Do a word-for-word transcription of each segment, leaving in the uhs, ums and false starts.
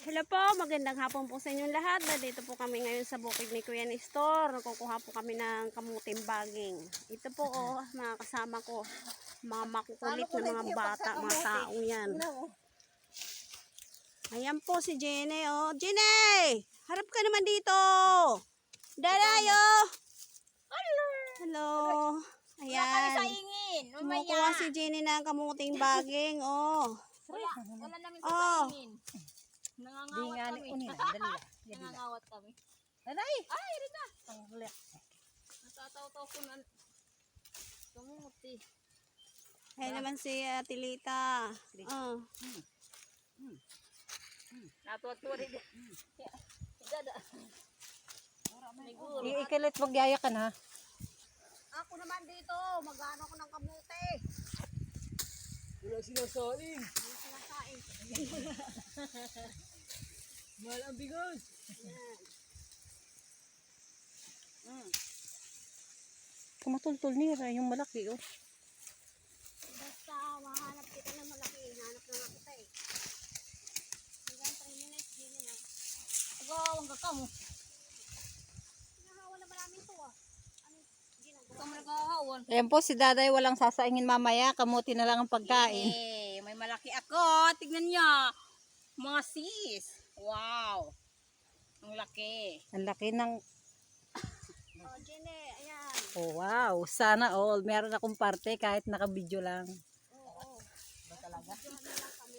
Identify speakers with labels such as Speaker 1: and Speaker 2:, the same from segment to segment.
Speaker 1: Hello po, magandang hapon po sa inyong lahat. Dito po kami ngayon sa bukid ni Kuya Nestor. Kukuha po kami ng kamuting baging. Ito po oh, mga kasama ko. Mga makukulit na mga bata, mga taong yan. Ayan po si Jenny oh. Jenny! Harap ka naman dito! Dadayo! Hello! Ayan. Kumukuha si Jenny ng kamuting baging oh.
Speaker 2: Wala, wala namin sa
Speaker 1: Oh.
Speaker 2: kainin. Nangangawat kami. Nangangawat kami.
Speaker 3: Nanay!
Speaker 2: Ay, rin na.
Speaker 3: Ang huli.
Speaker 2: Natataw-taw ko na. Kamuti.
Speaker 1: Ayan naman si uh, Tilita. Oh.
Speaker 2: Natuwa-tuwa rin. Dada. Siguro.
Speaker 3: Ikilit magyaya ka na.
Speaker 1: Ako naman dito, mag-ano ko ng kamuti.
Speaker 3: Wala sinasaing.
Speaker 1: Ano sinasain?
Speaker 3: Mahal ang bigas.
Speaker 1: Mm.
Speaker 3: Kumatultol niya yung malaki oh.
Speaker 1: Basta mahanap kita ng malaki, hanap na nga kita eh. Hanggang three minutes, din na.
Speaker 2: Agawang ka mo.
Speaker 1: Hinahawa na marami ito ah. Ano, ginagawa?
Speaker 2: Ikaw mo naghahawan.
Speaker 3: Ayan po si Daday walang sasaingin mamaya. Kamuti na lang ang pagkain.
Speaker 2: Eh, may malaki ako. Tignan niyo. Mga sis. Wow. Ang laki.
Speaker 3: Ang laki ng...
Speaker 1: Oh, Jenny, ayan.
Speaker 3: Oh, wow. Sana all. Meron akong parte kahit naka-video lang.
Speaker 1: Oo.
Speaker 2: Ba talaga?
Speaker 1: Diyan na lang kami.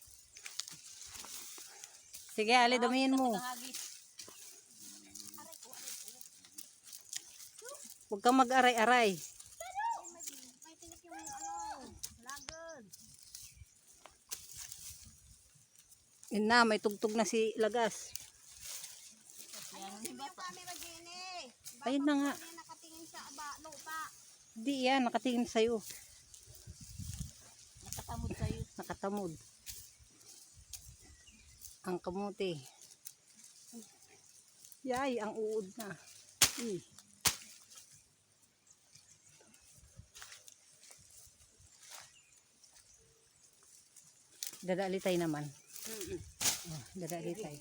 Speaker 3: Sige, Ali, damihin mo.
Speaker 2: Nahagis.
Speaker 1: Aray ko, aray ko.
Speaker 3: Huwag kang mag-aray-aray.
Speaker 1: Ay, may, may tinik yung ano, lagod.
Speaker 3: Yun na, may tugtog na si Lagas.
Speaker 1: Ayusin mo yung camera, Jenny. Baka
Speaker 3: Ayun na nga.
Speaker 1: kami nakatingin sa aba, lupa.
Speaker 3: Di yan, nakatingin sa'yo.
Speaker 2: Nakatamod sa'yo.
Speaker 3: Nakatamod. Ang kamuti. Yay, ang uod na. Eh. Dadaalitay naman. Oh, dadaalitay.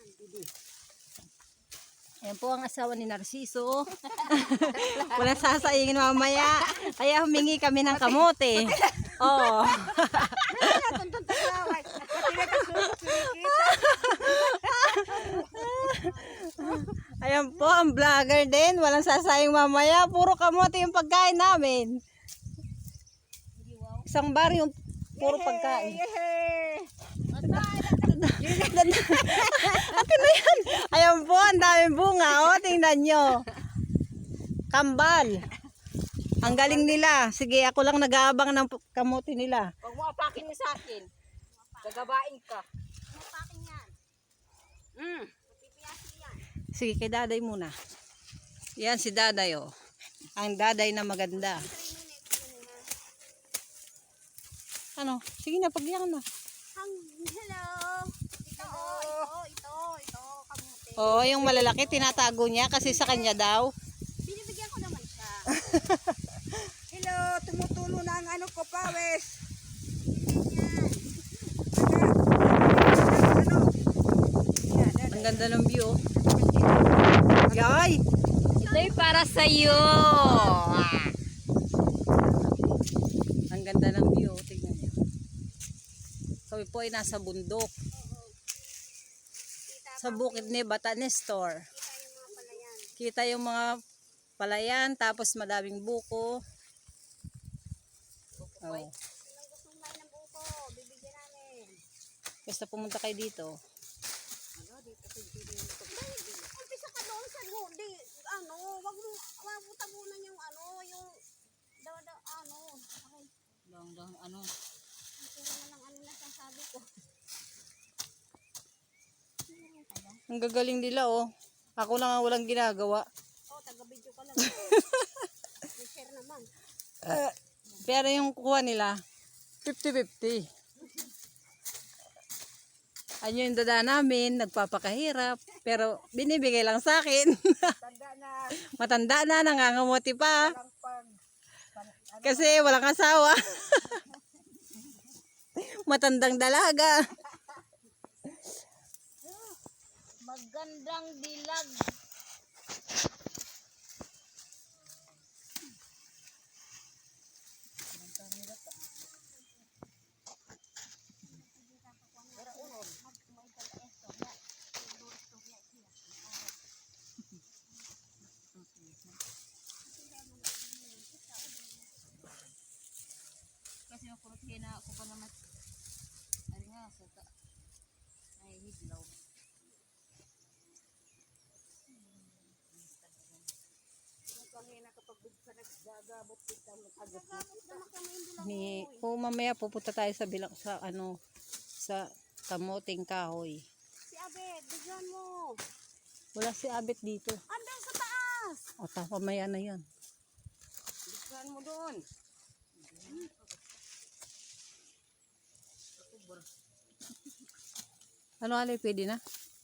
Speaker 3: Ayan po ang asawa ni Narciso. Walang sasaingin mamaya. Kaya humingi kami ng kamote. Oh. Ayan po ang vlogger din. Walang sasayang mamaya. Puro kamote yung pagkain namin. Isang bar yung puro pagkain. Akin na yan. Ayan po, ang daming bunga. O, tingnan nyo. Kambal. Ang galing nila. Sige, ako lang nag-aabang ng kamote nila.
Speaker 2: Huwag mo apakin mo sa akin. Gagabain ka.
Speaker 1: Mapaking yan.
Speaker 2: Mm.
Speaker 1: Pipiyasi yan.
Speaker 3: Sige, kay Daday muna. Yan si Daday, oh. Ang Daday na maganda.
Speaker 1: three minutes yun ha.
Speaker 3: Ano? Sige na, pagyan na.
Speaker 1: Hang, hello. Ito, oh, ito, ito, ito, kamuti.
Speaker 3: Oo, yung malalaki, tinatago niya kasi sa kanya daw.
Speaker 1: Binibigyan ko naman siya.
Speaker 4: Hello, tumutulo na ang ano ko, pawes.
Speaker 1: Ganyan.
Speaker 4: Ano? Yan, yan.
Speaker 3: Ang ganda ng view. Yay!
Speaker 2: Ito'y para sa'yo.
Speaker 3: Ang ganda ng view. Tingnan niyo. Kami po ay nasa bundok.
Speaker 1: Kita,
Speaker 3: Sa bukid ni Bata Nestor.
Speaker 1: kita yung mga palayan.
Speaker 3: Kita yung mga palayan, tapos madaming buko. Oh.
Speaker 1: Kung gusto mo ng buko, bibigyan namin.
Speaker 3: Basta pumunta kayo dito.
Speaker 1: Umpisa ka doon sa di, ano, wag mo, wag mo tabunan yung ano, yung, da, da, ano, okay,
Speaker 2: Dong, dong, ano?
Speaker 1: puro na lang ano na sasabi ko.
Speaker 3: Ang gagaling nila, oh. Ako lang ang walang ginagawa.
Speaker 1: Oh, taga-video ka lang. I-share naman.
Speaker 3: Uh, pero yung kuha nila, fifty fifty. Ano yung dada namin, nagpapakahirap. Pero binibigay lang sa akin.
Speaker 4: Tanda na.
Speaker 3: Matanda na, nangangamuti pa.
Speaker 4: Walang pag.
Speaker 3: Kasi walang asawa. Matandang dalaga.
Speaker 2: Magandang dilag. Kasi makulot na ako pa naman. Ay nga, sa ta. Ay, hidlaw.
Speaker 3: Ni, o mamaya pupunta tayo sa bilang sa ano sa kamuting kahoy.
Speaker 1: Si Abed, bigyan mo.
Speaker 3: Wala si Abet dito.
Speaker 1: Andun sa taas.
Speaker 3: O ta mamaya na 'yan.
Speaker 2: Bigyan mo doon.
Speaker 3: Ano alay pwede na?